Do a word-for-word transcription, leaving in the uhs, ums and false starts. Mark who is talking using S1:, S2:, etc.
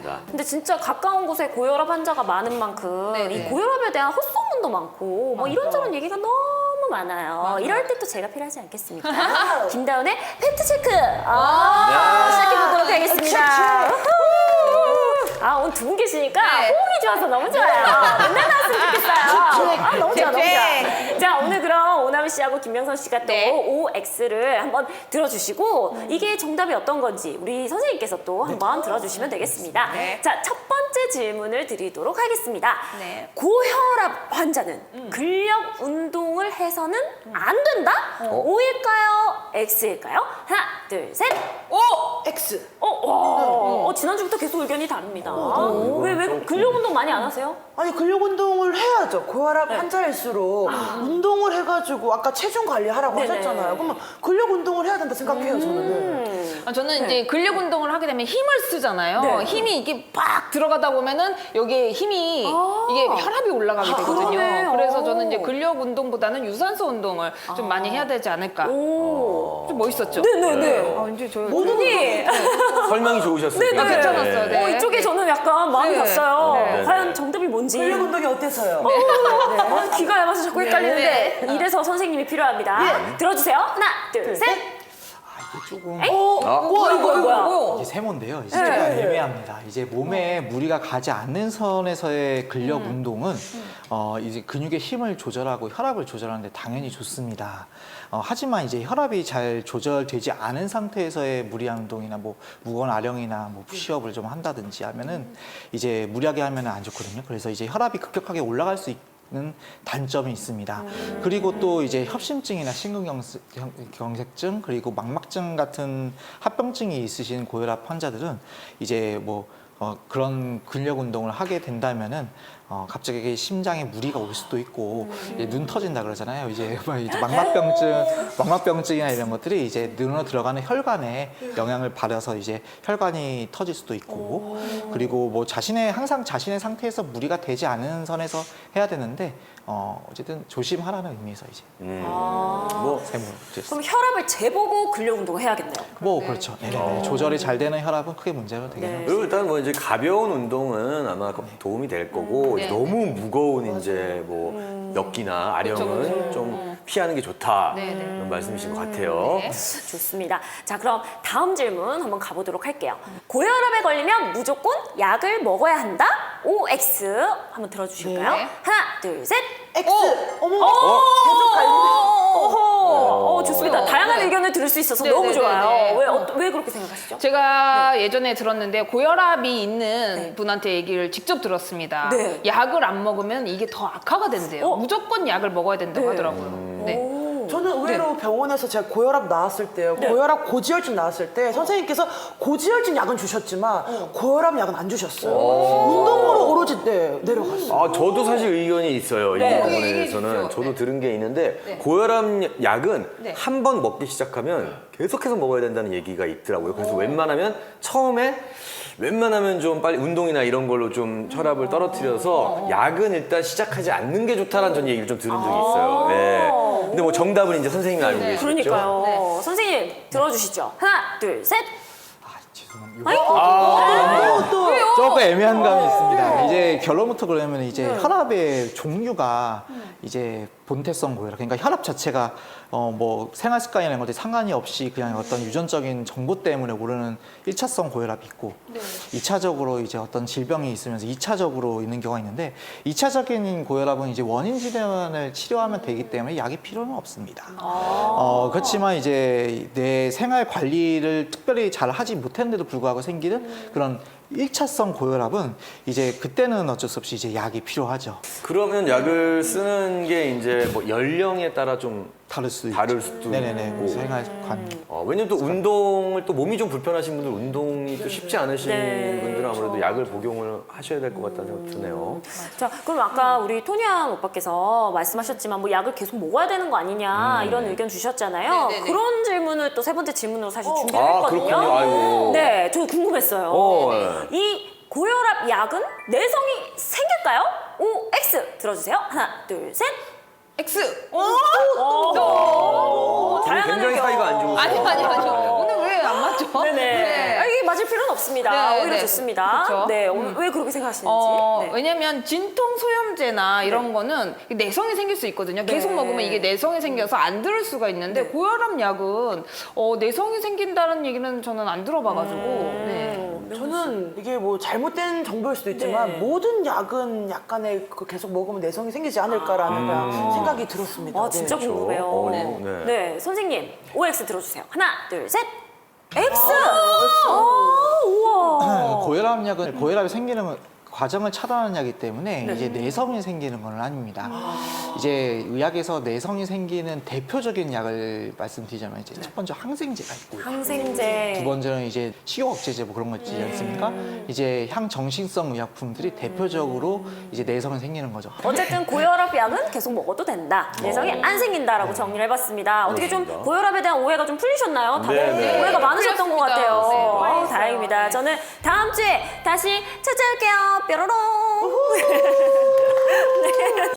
S1: 있습니다.
S2: 근데 진짜 가까운 곳에 고혈압 환자가 많은 만큼
S3: 네네.
S2: 이 고혈압에 대한 헛소문도 많고 뭐 이런저런 얘기가 너무 많아요.
S3: 맞아.
S2: 이럴 때 또 제가 필요하지 않겠습니까? 김다운의 팩트체크 아, 시작해보도록 하겠습니다. 우후. 아, 오늘 두 분 계시니까
S3: 네.
S2: 호흡이 좋아서 너무 좋아요. 맨날 나왔으면 좋겠어요. 아, 너무 좋아, 너무 좋아. 자, 오늘 그럼 오나미 씨하고 김명선 씨가 또
S3: 네.
S2: 오엑스를 한번 들어주시고 이게 정답이 어떤 건지 우리 선생님께서 또 한번 들어주시면 되겠습니다.
S3: 네.
S2: 자, 첫 번째 질문을 드리도록 하겠습니다.
S3: 네.
S2: 고혈압 환자는 근력 운동을 해서는 안 된다? O일까요? X일까요? 하나, 둘, 셋.
S3: 오!
S4: X.
S2: 어, 어, 어, 지난주부터 계속 의견이 다릅니다. 왜, 왜 근력 운동 많이 안 하세요?
S4: 아니 근력 운동을 해야죠. 고혈압
S2: 네.
S4: 환자일수록 운동을 해가지고 아까 체중 관리하라고
S2: 네네.
S4: 하셨잖아요. 그러면 근력 운동을 해야 된다 생각해요 저는.
S2: 음.
S3: 아, 저는 이제 근력 운동을 하게 되면 힘을 쓰잖아요.
S2: 네.
S3: 힘이 이게 팍 들어가다 보면은 여기에 힘이
S2: 아.
S3: 이게 혈압이 올라가게
S2: 아,
S3: 되거든요.
S2: 그러네.
S3: 그래서
S2: 오.
S3: 저는 이제 근력 운동보다는 유산소 운동을 좀 많이 해야 되지 않을까.
S2: 오.
S3: 좀 멋있었죠?
S2: 네네네.
S3: 아, 이제 저
S2: 모든이
S1: 설명이 좋으셨어요.
S2: 네네.
S3: 아, 괜찮았어요. 네.
S2: 어, 이쪽에 저는 약간 마음이
S3: 네.
S2: 갔어요.
S3: 네.
S2: 과연 정답이 뭔지.
S4: 근력 운동이 어때서요?
S2: 아, 귀가 얇아서 자꾸 헷갈리는데
S3: 네.
S2: 이래서 선생님이 필요합니다. 들어주세요. 하나, 둘, 셋.
S5: 아, 이게 조금
S4: 어,
S1: 아.
S4: 와 이거 이거.
S3: 뭐야?
S5: 이게 세모인데요. 이제
S2: 네.
S5: 조금 애매합니다. 이제 몸에 무리가 가지 않는 선에서의 근력 운동은 어, 이제 근육의 힘을 조절하고 혈압을 조절하는데 당연히 좋습니다. 어, 하지만 이제 혈압이 잘 조절되지 않은 상태에서의 무리한 운동이나 뭐 무거운 아령이나 뭐 푸시업을 좀 한다든지 하면은 이제 무리하게 하면은 안 좋거든요. 그래서 이제 혈압이 급격하게 올라갈 수 있 는 단점이 있습니다. 그리고 또 이제 협심증이나 심근경색증 그리고 망막증 같은 합병증이 있으신 고혈압 환자들은 이제 뭐 어, 그런 근력 운동을 하게 된다면은 어, 갑자기 심장에 무리가 올 수도 있고 이제 눈 터진다 그러잖아요. 이제, 뭐 이제 망막병증, 망막병증이나 이런 것들이 이제 눈으로 들어가는 혈관에 영향을 받아서 이제 혈관이 터질 수도 있고 그리고 뭐 자신의 항상 자신의 상태에서 무리가 되지 않은 선에서 해야 되는데 어, 어쨌든 조심하라는 의미에서 이제
S1: 음.
S2: 아.
S1: 뭐
S5: 세모
S2: 그럼 혈압을 재보고 근력 운동을 해야겠네요.
S5: 뭐 그렇죠. 네네. 조절이 잘 되는 혈압은 크게 문제가 되긴
S2: 네.
S5: 합니다.
S1: 그리고 일단 뭐 이제 가벼운 운동은 아마 도움이 될 거고
S3: 네.
S1: 너무 무거운 이제 뭐 역기나 아령은
S3: 그쵸, 그쵸.
S1: 좀 피하는 게 좋다
S3: 네, 네.
S1: 이런 말씀이신 것 같아요.
S3: 네.
S2: 좋습니다. 자, 그럼 다음 질문 한번 가보도록 할게요. 고혈압에 걸리면 무조건 약을 먹어야 한다? 오엑스 한번 들어주실까요?
S3: 네.
S2: 하나, 둘, 셋.
S4: X. 어머.
S2: 오!
S4: 계속 갈리네.
S2: 어허. 어, 좋습니다.
S3: 어,
S2: 다양한
S3: 네.
S2: 의견을 들을 수 있어서
S3: 네,
S2: 너무
S3: 네,
S2: 좋아요.
S3: 네, 네.
S2: 왜, 어, 왜 그렇게 생각하시죠?
S3: 제가 예전에 들었는데 고혈압이 있는
S2: 네.
S3: 분한테 얘기를 직접 들었습니다.
S2: 네.
S3: 약을 안 먹으면 이게 더 악화가 된대요.
S2: 어?
S3: 무조건 약을 먹어야 된다고
S2: 네.
S3: 하더라고요. 네.
S2: 오.
S4: 저는 의외로 병원에서 제가 고혈압 나왔을 때요.
S2: 네.
S4: 고혈압 고지혈증 나왔을 때 선생님께서 고지혈증 약은 주셨지만 고혈압 약은 안 주셨어요. 운동으로 오로지 네, 내려갔어요.
S1: 아, 저도 사실 의견이 있어요.
S2: 네.
S1: 이
S3: 얘기해
S1: 부분에서는
S3: 주십시오.
S1: 저도
S3: 네.
S1: 들은 게 있는데
S3: 네.
S1: 고혈압 약은
S3: 네.
S1: 한 번 먹기 시작하면 계속해서 먹어야 된다는 얘기가 있더라고요. 그래서 웬만하면 처음에 웬만하면 좀 빨리 운동이나 이런 걸로 좀 혈압을 떨어뜨려서 약은 일단 시작하지 않는 게 좋다라는 전 얘기를 좀 들은 적이 있어요. 네. 근데 뭐 정답은 이제 선생님이 알고
S3: 네.
S1: 계시죠?
S2: 그러니까요.
S3: 네.
S2: 선생님 들어주시죠. 하나, 둘, 셋.
S5: 아, 죄송합니다.
S2: 아이고.
S5: 아,
S4: 또
S5: 조금 애매한 감이 있습니다. 이제 결론부터 그러면 이제 혈압의 종류가 이제 본태성 고혈압, 그러니까 혈압 자체가 어 뭐 생활 습관이나 이런 것들이 상관이 없이 그냥 어떤 유전적인 정보 때문에 오르는 일차성 고혈압이 있고 이차적으로 이제 어떤 질병이 있으면서 이차적으로 있는 경우가 있는데 이차적인 고혈압은 이제 원인 질환을 치료하면 되기 때문에 약이 필요는 없습니다. 어 그렇지만 이제 내 생활 관리를 특별히 잘 하지 못했는데도 불구하고 생기는 그런 일차성 고혈압은 이제 그때는 어쩔 수 없이 이제 약이 필요하죠.
S1: 그러면 약을 쓰는 게 이제 뭐 연령에 따라 좀
S5: 다를 수도 있죠.
S1: 다를 수도
S5: 네네네.
S1: 있고.
S5: 생활관.
S1: 어, 왜냐면 또 운동을 또 몸이 좀 불편하신 분들 운동이 또 쉽지 않으신
S2: 네,
S1: 분들은 아무래도
S2: 그렇죠.
S1: 약을 복용을 하셔야 될 것 같다는 생각이 드네요.
S2: 자, 그럼 아까 우리 토니안 오빠께서 말씀하셨지만 뭐 약을 계속 먹어야 되는 거 아니냐 이런 의견 주셨잖아요.
S3: 네네네.
S2: 그런 질문을 또 세 번째 질문으로 사실 준비를
S1: 아,
S2: 했거든요.
S1: 그렇군요. 아이고.
S2: 네, 저 궁금했어요.
S1: 어, 네.
S2: 이 고혈압 약은 내성이 생길까요? 오, X 들어주세요. 하나, 둘, 셋.
S3: X.
S2: 오, 다양한
S1: 굉장히
S2: 의견.
S1: 사이가 안 좋으세요.
S3: 아니 아니 아니요. 오늘 왜 안 맞죠? 그렇죠.
S2: 네네.
S3: 네.
S2: 아, 이게 맞을 필요는 없습니다.
S3: 네,
S2: 오히려
S3: 네.
S2: 좋습니다.
S3: 그렇죠.
S2: 네,
S3: 음.
S2: 왜 그렇게 생각하시는지.
S3: 어,
S2: 네.
S3: 왜냐면 진통 소염제나 이런 거는 내성이 생길 수 있거든요. 계속
S2: 네.
S3: 먹으면 이게 내성이 생겨서 안 들을 수가 있는데 고혈압 약은 어, 내성이 생긴다는 얘기는 저는 안 들어봐가지고. 네.
S2: 음,
S4: 저는 이게 뭐 잘못된 정보일 수도 있지만
S2: 네.
S4: 모든 약은 약간의 그 계속 먹으면 내성이 생기지 않을까라는 그냥 생각이 들었습니다.
S2: 아, 진짜
S4: 네.
S2: 궁금해요.
S1: 어,
S2: 네.
S1: 네.
S2: 네, 선생님, 오엑스 들어주세요. 하나, 둘, 셋. X!
S4: 아,
S2: 아, 우와.
S5: 고혈압 약은 고혈압이 생기는 과정을 차단하는 약이기 때문에
S2: 네.
S5: 이제 내성이 생기는 건 아닙니다. 이제 의학에서 내성이 생기는 대표적인 약을 말씀드리자면 이제 첫 번째 항생제가 있고요.
S2: 항생제.
S5: 두 번째는 이제 식욕 억제제 뭐 그런 거 있지 않습니까? 이제 향정신성 의약품들이 대표적으로 이제 내성이 생기는 거죠.
S2: 어쨌든 고혈압 약은 계속 먹어도 된다. 내성이 안 생긴다라고 정리를 해봤습니다. 어떻게 좀
S1: 그렇습니다.
S2: 고혈압에 대한 오해가 좀 풀리셨나요? 다들
S1: 네, 네.
S2: 오해가 많으셨던 것
S3: 풀렸습니다.
S2: 같아요.
S3: 네,
S2: 아우,
S3: 많이
S2: 다행입니다. 저는 다음 주에 다시 찾아올게요. 뾰로롱.